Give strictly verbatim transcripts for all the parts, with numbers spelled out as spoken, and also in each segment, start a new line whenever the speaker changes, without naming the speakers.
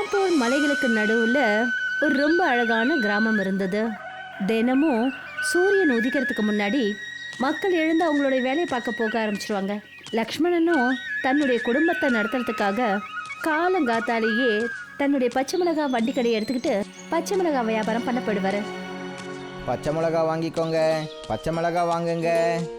குன்னத்தோர் மலைகளுக்கு நடுவுல ஒரு ரொம்ப அழகான கிராமம் இருந்தது. தினமும் சூரியன் உதிக்கிறதுக்கு முன்னாடி மக்கள் எழுந்து அவங்களுடைய வேலையை பார்க்க போக ஆரம்பிச்சிருவாங்க. லக்ஷ்மணனும் தன்னுடைய குடும்பத்தை நடத்துறதுக்காக காலங்காத்தாலேயே தன்னுடைய பச்சை மிளகா வண்டி கடையை எடுத்துக்கிட்டு பச்சை மிளகா வியாபாரம் பண்ண போயிடுவாரு.
பச்சை மிளகா வாங்கிக்கோங்க, பச்சை மிளகா வாங்குங்க.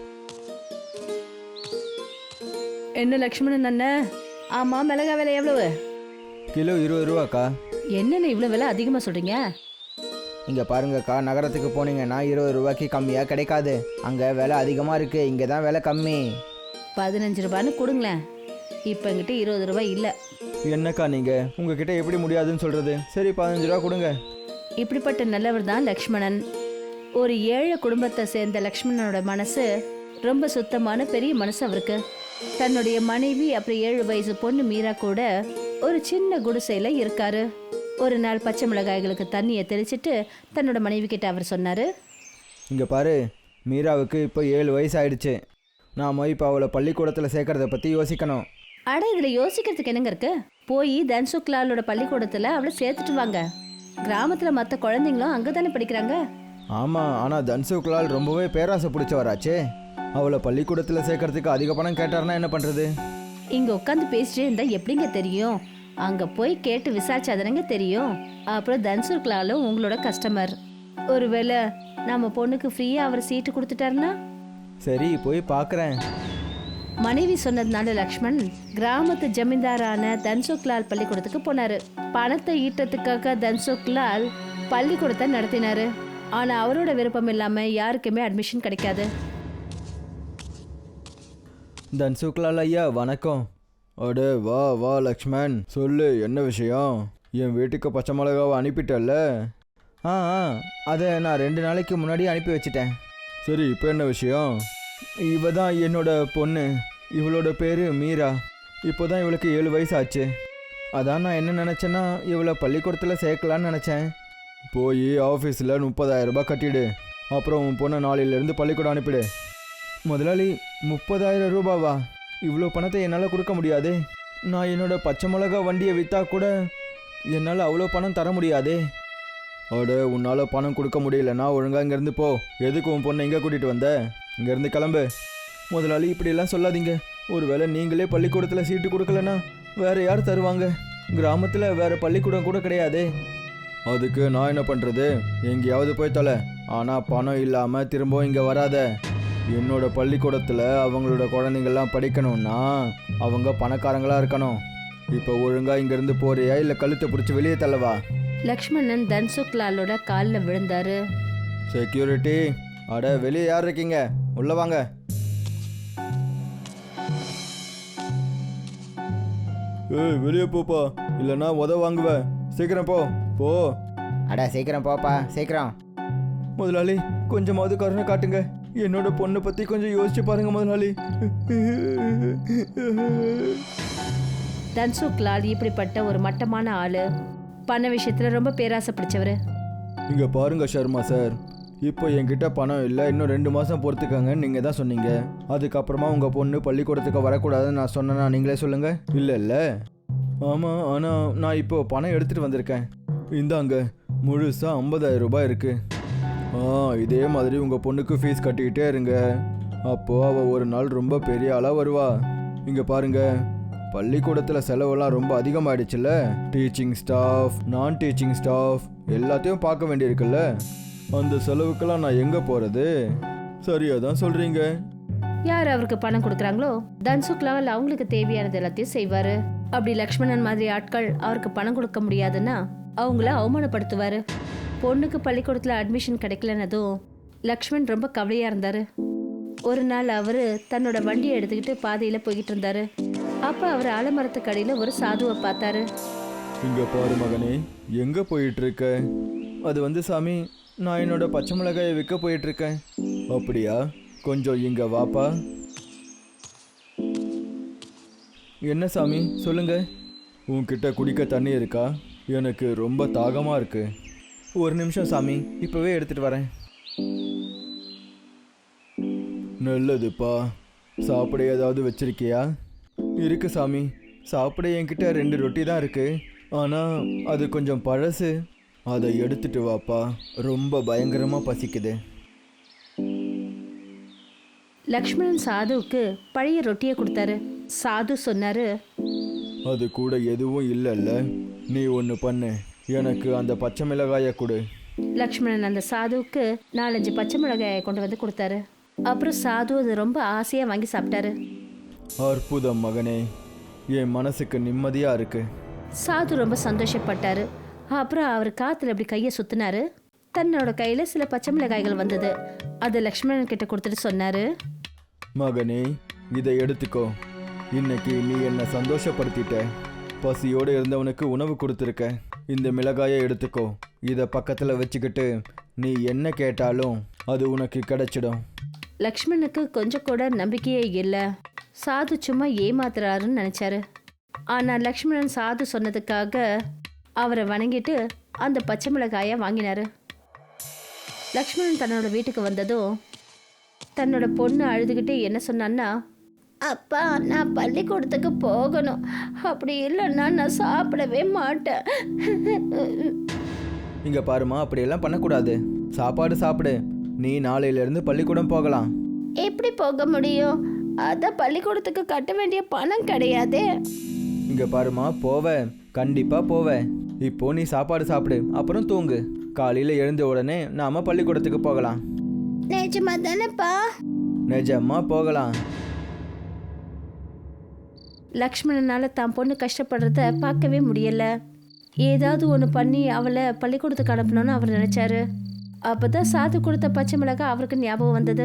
என்ன லக்ஷ்மணன் அண்ணன்? ஆமா, மிளகா விலை எவ்வளவு?
கிலோ இருபது ரூபாக்கா.
என்னென்ன இவ்வளவு விலை அதிகமா சொல்றீங்க?
இங்கே பாருங்கக்கா, நகரத்துக்கு போனீங்கன்னா இருபது ரூபாய்க்கு கம்மியாக கிடைக்காது. அங்கே விலை அதிகமாக இருக்குது, இங்கே தான் விலை கம்மி.
பதினஞ்சு ரூபான்னு கொடுங்களேன். இப்போ என்கிட்ட இருபது ரூபாய் இல்லை.
என்னக்கா நீங்கள் உங்ககிட்ட எப்படி முடியாதுன்னு சொல்கிறது? சரி, பதினஞ்சு ரூபா கொடுங்க.
இப்படிப்பட்ட நல்லவர் தான் லக்ஷ்மணன். ஒரு ஏழை குடும்பத்தை சேர்ந்த லக்ஷ்மணனோட மனசு ரொம்ப சுத்தமான பெரிய மனசு அவருக்கு. தன்னுடைய மனைவி அப்புறம் ஏழு வயசு பொண்ணு மீரா கூட ஒரு சின்ன குடிசையில இருக்காரு. ஒரு நாள் பச்சை மிளகாய்களுக்கு தண்ணியை தெளிச்சிட்டு தன்னோட மனைவி கிட்ட அவர் சொன்னாரு,
இங்கே பாரு, மீராவுக்கு இப்போ ஏழு வயசு ஆயிடுச்சு. நாம இப்போ அவளை பள்ளிக்கூடத்தில் சேர்க்கறத பற்றி யோசிக்கணும்.
அட, இதில் யோசிக்கிறதுக்கு என்னங்க இருக்கு? போய் தன்சுக்லாலோட பள்ளிக்கூடத்தில் அவளை சேர்த்துட்டு வாங்க. கிராமத்தில் மற்ற குழந்தைங்களும் அங்கே தானே படிக்கிறாங்க.
ஆமாம், ஆனால் தன்சுக்லால் ரொம்பவே பேராசை பிடிச்சவராச்சே. அவளை பள்ளிக்கூடத்தில் சேர்க்கறதுக்கு அதிக பணம் கேட்டார்னா என்ன பண்ணுறது?
இங்கே உட்காந்து பேசிட்டே இருந்தால் எப்படிங்க தெரியும்? அங்கே போய் கேட்டு விசாரிச்சாதானங்க தெரியும். அப்புறம் தன்சுக்லாலும் உங்களோட கஸ்டமர். ஒருவேளை நம்ம பொண்ணுக்கு ஃப்ரீயாக அவர் சீட்டு கொடுத்துட்டாருன்னா?
சரி, போய் பார்க்குறேன்.
மனைவி சொன்னதுனால லக்ஷ்மண் கிராமத்து ஜமீன்தாரான தன்சுக்லால் பள்ளிக்கூடத்துக்கு போனாரு. பணத்தை ஈட்டத்துக்காக தன்சுக்லால் பள்ளிக்கூடத்தை நடத்தினாரு. ஆனா அவரோட விருப்பம் இல்லாம யாருக்குமே அட்மிஷன் கிடைக்காது.
தன்சுக்லால் ஐயா, வணக்கம். அடே வா வா லக்ஷ்மண், சொல்லு என்ன விஷயம்? என் வீட்டுக்கு பச்சை மிளகாவை அனுப்பிட்டல்ல? ஆ ஆ அதை நான் ரெண்டு நாளைக்கு முன்னாடி அனுப்பி வச்சிட்டேன். சரி, இப்போ என்ன விஷயம்? இவ தான் என்னோட பொண்ணு. இவளோட பேர் மீரா. இப்போ தான் இவளுக்கு ஏழு வயசு ஆச்சு. அதான் நான் என்ன நினச்சேன்னா இவளை பள்ளிக்கூடத்தில் சேர்க்கலான்னு நினச்சேன். போய் ஆஃபீஸில் முப்பதாயிரம் ரூபாய் கட்டிடு. அப்புறம் உன் பொண்ணை நாளையிலேருந்து பள்ளிக்கூடம் அனுப்பிடு. முதலாளி, முப்பதாயிரம் ரூபாவா? இவ்வளோ பணத்தை என்னால் கொடுக்க முடியாது. நான் என்னோட பச்சை மிளகா வண்டியை விற்றா கூட என்னால் அவ்வளோ பணம் தர முடியாதே. அட, உன்னால் பணம் கொடுக்க முடியலன்னா ஒழுங்காக இங்கேருந்து போ. எதுக்கு உன் பொண்ணை இங்கே கூட்டிகிட்டு வந்த? இங்கேருந்து கிளம்பு. முதலாளி, இப்படியெல்லாம் சொல்லாதீங்க. ஒருவேளை நீங்களே பள்ளிக்கூடத்தில் சீட்டு கொடுக்கலன்னா வேறு யார் தருவாங்க? கிராமத்தில் வேறு பள்ளிக்கூடம் கூட கிடையாது. அதுக்கு நான் என்ன பண்ணுறது? எங்கேயாவது போய் தொலை. ஆனால் பணம் இல்லாமல் திரும்பவும் இங்கே வராத. என்னோட பள்ளிக்கூடத்தில் அவங்களோட குழந்தைங்கள்லாம் படிக்கணும்னா அவங்க பணக்காரங்களாக இருக்கணும். இப்போ ஒழுங்காக இங்கேருந்து போறியா இல்லை கழுத்தை பிடிச்சி வெளியே தள்ளவா?
லக்ஷ்மணன் தன்சுக்லாலோட காலில் விழுந்தாரு.
செக்யூரிட்டி, அட வெளியே யார் இருக்கீங்க? உள்ள வாங்க. ஏய், வெளியே போப்பா, இல்லைன்னா உத வாங்குவேன். சீக்கிரம் போ போ. அட சீக்கிரம் போப்பா, சீக்கிரம். முதலாளி, கொஞ்சமாவது கருணை காட்டுங்க. என்னோட பொண்ணை பற்றி கொஞ்சம் யோசிச்சு பாருங்க முதலாளி.
தன்சுக்லால் இப்படிப்பட்ட ஒரு மட்டமான ஆளு. பண விஷயத்துல ரொம்ப பேராசை பிடிச்சவரு.
இங்க பாருங்க சர்மா சார், இப்போ என்கிட்ட பணம் இல்லை, இன்னும் ரெண்டு மாதம் பொறுத்துக்கங்கன்னு நீங்கள் தான் சொன்னீங்க. அதுக்கப்புறமா உங்கள் பொண்ணு பள்ளிக்கூடத்துக்கு வரக்கூடாதுன்னு நான் சொன்னேன்னா நீங்களே சொல்லுங்கள். இல்லை இல்லை ஆமாம், ஆனால் நான் இப்போ பணம் எடுத்துகிட்டு வந்திருக்கேன். இந்தாங்க, முழுசாக ஐம்பதாயிரம் ரூபாய் இருக்குது. ஆ, இதே மாதிரி உங்கள் பொண்ணுக்கு ஃபீஸ் கட்டிக்கிட்டே இருங்க. அப்போது அவள் ஒரு நாள் ரொம்ப பெரிய ஆளாக வருவா. இங்கே பாருங்கள், பள்ளிக்கூடத்தில் செலவெல்லாம் ரொம்ப அதிகமாகிடுச்சுல்ல. டீச்சிங் ஸ்டாஃப், நான் டீச்சிங் ஸ்டாஃப் எல்லாத்தையும் பார்க்க வேண்டியிருக்குல்ல. அந்த செலவுக்கெல்லாம் நான் எங்கே போகிறது? சரியா தான் சொல்கிறீங்க.
யார் அவருக்கு பணம் கொடுக்குறாங்களோ தன்சுக்லால் அவங்களுக்கு தேவையானது எல்லாத்தையும் செய்வாரு. அப்படி லக்ஷ்மணன் மாதிரி ஆட்கள் அவருக்கு பணம் கொடுக்க முடியாதுன்னா அவங்கள அவமானப்படுத்துவாரு. பொண்ணுக்கு பள்ளிக்கூடத்தில் அட்மிஷன் கிடைக்கலன்னதும் லக்ஷ்மண் ரொம்ப கவலையா இருந்தாரு. ஒரு நாள் அவரு தன்னோட வண்டியை எடுத்துக்கிட்டு பாதையில போய்கிட்டு இருந்தாரு. அப்ப அவர் ஆலமரத்துக்கு அடியில ஒரு சாதுவை பார்த்தாரு.
இங்க பாரு மகனே, எங்க போயிட்டு இருக்க? அது வந்து சாமி, நான் என்னோட பச்சை மிளகாயை விற்க போயிட்டு இருக்கேன். அப்படியா? கொஞ்சம் இங்க வாப்பா. என்ன சாமி, சொல்லுங்க. உன்கிட்ட குடிக்க தண்ணி இருக்கா? எனக்கு ரொம்ப தாகமா இருக்கு. ஒரு நிமிஷம் சாமி, இப்பவே எடுத்துட்டு வரேன். நல்லதுப்பா. சாப்பிட ஏதாவது வச்சிருக்கியா? இருக்கு சாமி. சாப்பிட என்கிட்ட ரெண்டு ரொட்டி தான் இருக்கு. ஆனால் அது கொஞ்சம் பழசு. அதை எடுத்துட்டு வாப்பா, ரொம்ப பயங்கரமாக பசிக்குது.
லக்ஷ்மணன் சாதுவுக்கு பழைய ரொட்டியை கொடுத்தாரு. சாது சொன்னாரு,
அது கூட எதுவும் இல்லைல்ல, நீ ஒன்று பண்ணு, எனக்கு அந்த பச்சை மிளகாயை கொடு.
லக்ஷ்மணன் அந்த சாதுவுக்கு நாலஞ்சு பச்சை மிளகாயை கொண்டு வந்து கொடுத்தாரு. அப்புறம் சாது அது ரொம்ப ஆசையா வாங்கி சாப்பிட்டாரு.
அற்புதம் மகனே, என் மனசுக்கு நிம்மதியாக இருக்கு.
சாது ரொம்ப சந்தோஷப்பட்டாரு. அப்புறம் அவர் காத்துல அப்படி கையை சுத்தினாரு. தன்னோட கையில சில பச்சை மிளகாய்கள் வந்தது. அதை லக்ஷ்மணன் கிட்ட கொடுத்துட்டு சொன்னாரு,
மகனே, இதை எடுத்துக்கோ. இன்னைக்கு நீ என்னை சந்தோஷப்படுத்திட்ட. பசியோடு இருந்தவனுக்கு உணவு கொடுத்துருக்க. இந்த மிளகாயை எடுத்துக்கோ. இதை பக்கத்தில் வச்சுக்கிட்டு நீ என்ன கேட்டாலும் அது உனக்கு கிடைச்சிடும்.
லக்ஷ்மணுக்கு கொஞ்சம் கூட நம்பிக்கையே இல்லை. சாது சும்மா ஏமாத்துறாருன்னு நினைச்சாரு. ஆனா லக்ஷ்மணன் சாது சொன்னதுக்காக அவரை வணங்கிட்டு அந்த பச்சை மிளகாயை வாங்கினாரு. லக்ஷ்மணன் தன்னோட வீட்டுக்கு வந்ததும் தன்னோட பொண்ணு அழுதுகிட்டே என்ன சொன்னான்னா, அப்பா, நான் பள்ளிக்கூடத்துக்கு போகணும். அப்படி இல்லைன்னா நான் சாப்பிடவே மாட்டேன்.
இங்கே பாருமா, அப்படியெல்லாம் பண்ணக்கூடாது. சாப்பாடு சாப்பிடு. நீ நாளையிலேருந்து பள்ளிக்கூடம் போகலாம்.
எப்படி போக முடியும்? அதான் பள்ளிக்கூடத்துக்கு கட்ட வேண்டிய பணம் கிடையாதே.
இங்கே பாருமா, போவேன், கண்டிப்பாக போவேன். இப்போ நீ சாப்பாடு சாப்பிடு, அப்புறம் தூங்கு. காலையில் எழுந்த உடனே நாம பள்ளிக்கூடத்துக்கு போகலாம்.
நிஜமா தானேப்பா?
நிஜமா போகலாம்.
லக்ஷ்மணனால தான் பொண்ணு கஷ்டப்படுறத பார்க்கவே முடியல. ஏதாவது ஒன்று பண்ணி அவளை பள்ளிக்கூடத்துக்கு அனுப்பணும்னு அவர் நினைச்சாரு. அப்பதான் சாது கொடுத்த பச்சை மிளகாய் அவருக்கு ஞாபகம் வந்தது.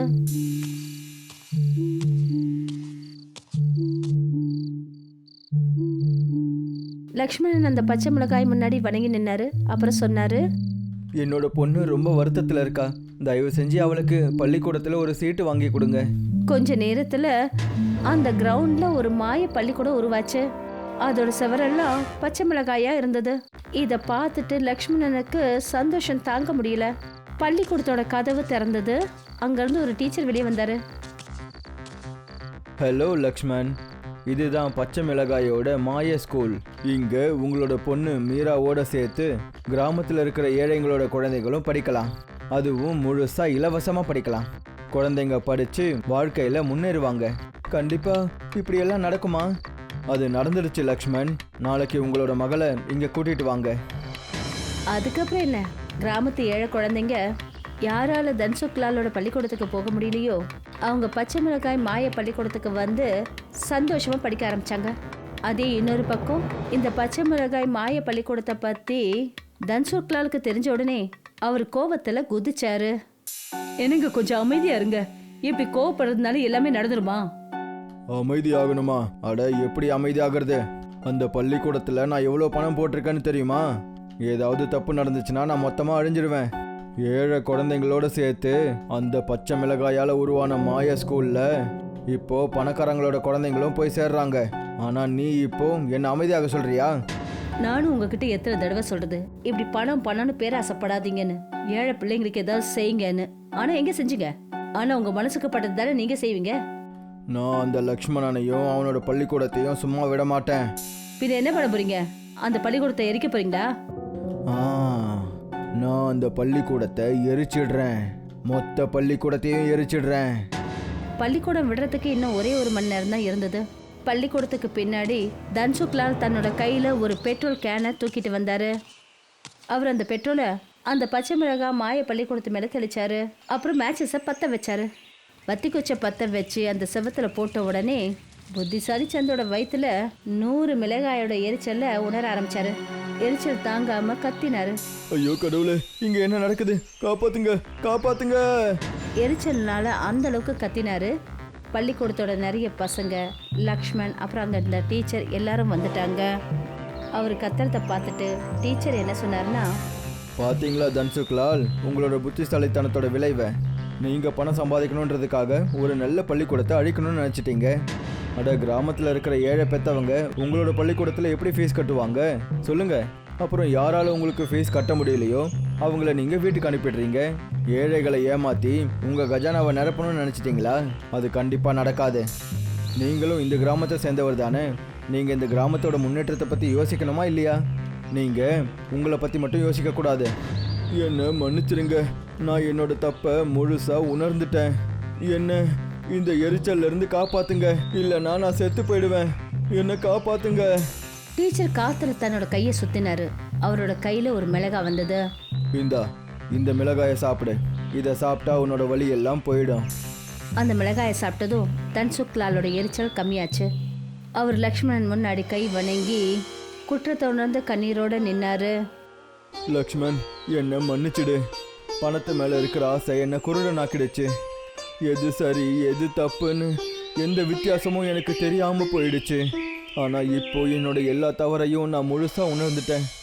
லக்ஷ்மணன் அந்த பச்சை மிளகாய் முன்னாடி வணங்கி நின்னாரு. அப்புறம் சொன்னாரு,
என்னோட பொண்ணு ரொம்ப வருத்தத்தில் இருக்கா. தயவு செஞ்சு அவளுக்கு பள்ளிக்கூடத்தில் ஒரு சீட்டு வாங்கி கொடுங்க.
கொஞ்ச நேரத்துல அந்த கிரவுண்ட்ல ஒரு மாய பள்ளிக்கூடம் உருவாச்சு. அதோட செவரெல்லாம் பச்சை மிளகாயா இருந்தது. இத பார்த்துட்டு லக்ஷ்மணனுக்கு சந்தோஷம் தாங்க முடியல. பள்ளிக்கூடத்தோட கதவு திறந்தது. அங்கிருந்து ஒரு டீச்சர் வெளியே வந்தாரு.
ஹலோ லக்ஷ்மண், இதுதான் பச்சை மிளகாயோட மாய ஸ்கூல். இங்கே உங்களோட பொண்ணு மீராவோட சேர்த்து கிராமத்தில் இருக்கிற ஏழைங்களோட குழந்தைகளும் படிக்கலாம். அதுவும் முழுசாக இலவசமாக படிக்கலாம். குழந்தைங்க படித்து வாழ்க்கையில் முன்னேறுவாங்க. கண்டிப்பாக இப்படியெல்லாம் நடக்குமா? அது நடந்துடுச்சு லக்ஷ்மண். நாளைக்கு உங்களோட மகளை இங்கே கூட்டிகிட்டு வாங்க.
அதுக்கப்புறம் என்ன, கிராமத்து ஏழை குழந்தைங்க யாரால தன்சுக்லாலோட பள்ளிக்கூடத்துக்கு போக முடியலையோ அவங்க பச்சை மிளகாய் மாய பள்ளிக்கூடத்துக்கு வந்து சந்தோஷமா படிக்க ஆரம்பிச்சாங்க. அதே இன்னொரு பக்கம் இந்த பச்சை மிளகாய் மாய பள்ளிக்கூடத்தை பத்தி தன்சுக்லாலுக்கு தெரிஞ்ச உடனே அவர் கோவத்துல குதிச்சாரு. என்னங்க கொஞ்சம் அமைதியா இருங்க. இப்படி கோவப்படுறதுனால எல்லாமே நடந்துருமா?
அமைதி ஆகணுமா? அட, எப்படி அமைதி ஆகிறது? அந்த பள்ளிக்கூடத்தில் நான் எவ்வளோ பணம் போட்டிருக்கேன்னு தெரியுமா? ஏதாவது தப்பு நடந்துச்சுன்னா நான் மொத்தமாக அழிஞ்சிருவேன். ஏழை குழந்தைங்களோட சேர்த்து அந்த பச்சை மிளகாயால் உருவான மாய ஸ்கூலில் இப்போ பணக்காரங்களோட குழந்தைங்களும் போய் சேர்றாங்க. ஆனால் நீ இப்போ என்ன அமைதியாக சொல்றியா?
நானும் உங்ககிட்ட எத்தனை தடவை சொல்றது, இப்படி பணம் பணம்னு பேராசைப்படாதீங்கன்னு, ஏழை பிள்ளைங்களுக்கு ஏதாவது செய்யுங்கன்னு. ஆனா எங்க செஞ்சீங்க? ஆனா உங்க மனசுக்கு பட்டது தானே நீங்க செய்வீங்க.
நான் அந்த லக்ஷ்மணனையும் அவனோட பள்ளிக்கூடத்தையும் சும்மா விட மாட்டேன்.
பின்ன என்ன பண்ண போறீங்க? அந்த பள்ளிக்கூடத்தை எரிக்க போறீங்களா?
ஆ, நான் அந்த பள்ளிக்கூடத்தை எரிச்சிடுறேன். மொத்த பள்ளிக்கூடத்தையும் எரிச்சிடுறேன்.
பள்ளிக்கூடம் விடுறதுக்கு இன்னும் ஒரே ஒரு மணி நேரம் தான் இருந்தது. பள்ளிக்கூடத்துக்கு பின்னாடி தன்சுக்லால் தன்னோட கையில ஒரு பெட்ரோல் கேனை தூக்கிட்டு வந்தாரு. அவர் அந்த பெட்ரோலை அந்த பச்சை மிளகாய் மாய பள்ளிக்கூடத்து மேல தெளிச்சாரு. அப்புறம் மேட்சஸை பற்ற வச்சாரு. வத்தி குச்சை பற்ற வச்சு அந்த செவத்துல போட்ட உடனே புத்திசாலி சந்தோட வயிற்றுல நூறு மிளகாயோட எரிச்சல்ல உணர ஆரம்பிச்சாரு. எரிச்சல் தாங்காம கத்தினாரு.
ஐயோ கடவுளே, இங்க என்ன நடக்குது? காப்பாத்துங்க, காப்பாத்துங்க!
எரிச்சல்னால அந்த அளவுக்கு கத்தினாரு. பள்ளிக்கூடத்தோட நிறைய பசங்க, லக்ஷ்மண், அப்புறம் அங்கே இருந்த டீச்சர் எல்லாரும் வந்துட்டாங்க. அவர் கத்துறத பார்த்துட்டு டீச்சர் என்ன சொன்னார்னா,
பாத்தீங்களா தன்சுக்லால், உங்களோட புத்திசாலித்தனத்தோட விளைவை. நீங்க பணம் சம்பாதிக்கணுன்றதுக்காக ஒரு நல்ல பள்ளிக்கூடத்தை அழிக்கணும்னு நினைச்சிட்டீங்க. அட, கிராமத்தில் இருக்கிற ஏழை பெற்றவங்க உங்களோட பள்ளிக்கூடத்தில் எப்படி ஃபீஸ் கட்டுவாங்க சொல்லுங்க? அப்புறம் யாரால உங்களுக்கு ஃபீஸ் கட்ட முடியலையோ அவங்கள நீங்கள் வீட்டுக்கு அனுப்பிடுறீங்க. ஏழைகளை ஏமாற்றி உங்கள் கஜானாவை நிரப்பணும்னு நினச்சிட்டிங்களா? அது கண்டிப்பாக நடக்காது. நீங்களும் இந்த கிராமத்தை சேர்ந்தவர் தானே. நீங்கள் இந்த கிராமத்தோட முன்னேற்றத்தை பற்றி யோசிக்கணுமா இல்லையா? நீங்கள் உங்களை பற்றி மட்டும் யோசிக்கக்கூடாது. என்ன மன்னிச்சிருங்க, நான் என்னோட தப்பை முழுசாக உணர்ந்துட்டேன். என்ன இந்த எரிச்சல்ல இருந்து காப்பாத்துங்க, இல்லைன்னா நான் செத்து போயிடுவேன். என்ன காப்பாத்துங்க.
டீச்சர் காத்துல தன்னோட கையை சுத்தினாரு. அவரோட கையில ஒரு மிளகாய் வந்தது.
இந்தா, இந்த மிளகாயை சாப்பிடு. இதை சாப்பிட்டா உன்னோட வலி எல்லாம் போயிடும்.
அந்த மிளகாயை சாப்பிட்டதும் தன்சுக் லாலோட எரிச்சல் கம்மியாச்சு. அவர் லக்ஷ்மணன் முன்னாடி கை வணங்கி குற்றத்தை உணர்ந்து கண்ணீரோட நின்னாரு.
லக்ஷ்மண், என்னை மன்னிச்சிடு. பணத்து மேலே இருக்கிற ஆசை என்னை குருடனாக்கிடுச்சு. எது சரி எது தப்புன்னு எந்த வித்தியாசமும் எனக்கு தெரியாமல் போயிடுச்சு. ஆனால் இப்போ என்னோட எல்லா தவறையும் நான் முழுசாக உணர்ந்துட்டேன்.